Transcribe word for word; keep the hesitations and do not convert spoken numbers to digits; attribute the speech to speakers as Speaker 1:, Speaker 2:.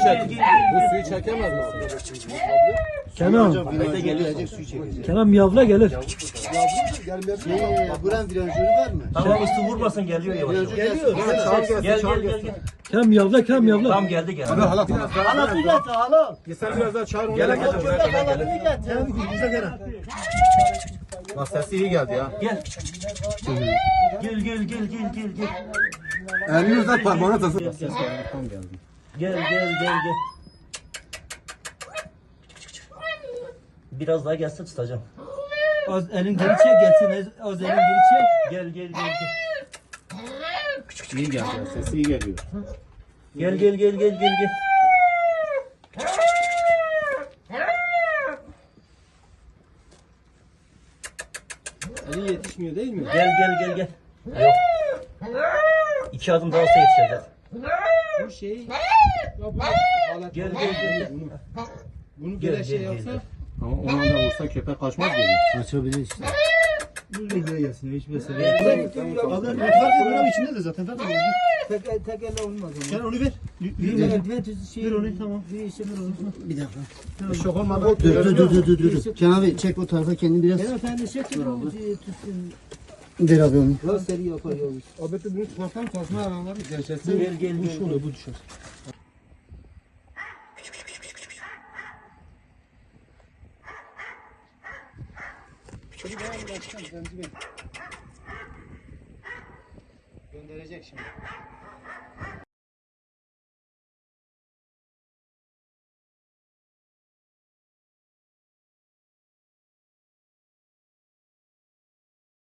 Speaker 1: çek. Bu suyu çekemez misin?
Speaker 2: Kenan. Kenan miyavla gelir.
Speaker 3: Buranın virajörü var mı?
Speaker 4: Tamam üstü vurmasın geliyor yavaş yavaş.
Speaker 3: Geliyor.
Speaker 4: Gel gel gel gel.
Speaker 2: Kenan miyavla, Kenan miyavla.
Speaker 4: Tam geldi gel.
Speaker 1: Hala tamam.
Speaker 3: Hala bir getir hala.
Speaker 1: Sen biraz daha çağır onu.
Speaker 4: Gel gel buraya gel gel.
Speaker 3: Bize gel.
Speaker 1: Bak sesi iyi geldi ya.
Speaker 4: Gel. Gel gel gel gel gel gel.
Speaker 1: Elini uzat parmağına tasın.
Speaker 4: Gel gel gel gel. Biraz daha gelse tutacağım.
Speaker 2: Az elin geri çek gelsin. Az elin geri çek.
Speaker 4: Gel gel gel gel.
Speaker 1: İyi geldi ya. Sesi iyi geliyor.
Speaker 4: Gel gel gel gel gel gel.
Speaker 2: Eli yetişmiyor değil mi?
Speaker 4: Gel gel gel gel. Yok. İki adım daha olsa yetişeceğiz.
Speaker 2: Bu şey.
Speaker 4: Gel gel gel gel.
Speaker 2: Bunu
Speaker 4: Gel
Speaker 2: böyle
Speaker 4: gel
Speaker 2: şey
Speaker 4: gel.
Speaker 2: yapsa.
Speaker 1: Ama ona da vursa köpek kaçmaz geliyor.
Speaker 3: Açabilir işte.
Speaker 2: Bu böyle gelsin. Hiç mesele
Speaker 4: Gel,
Speaker 2: yok.
Speaker 4: gel.
Speaker 3: Adam farkı buranın içinde de zaten farkı.
Speaker 2: Tek, tek elle olmaz
Speaker 3: Sen
Speaker 2: ama.
Speaker 3: onu ver.
Speaker 2: Bir eldiven tüzü şey.
Speaker 3: Ver onu, tamam.
Speaker 2: Bir işe ver onu.
Speaker 3: Bir dakika.
Speaker 1: Şok olmadan.
Speaker 3: Dur dur dur dur dur. dur. Kenan abi çek o tarafa kendini biraz.
Speaker 2: Kenan sen de çek. Dur tutsun.
Speaker 3: Ver abi onu.
Speaker 2: Biraz seri yapar yavuz.
Speaker 1: Abi bunu tutarsan tasma aralar. Gerçekten.
Speaker 4: Gel gel gel.
Speaker 2: Bu şöyle bu düşer.
Speaker 3: Gönderecek şimdi.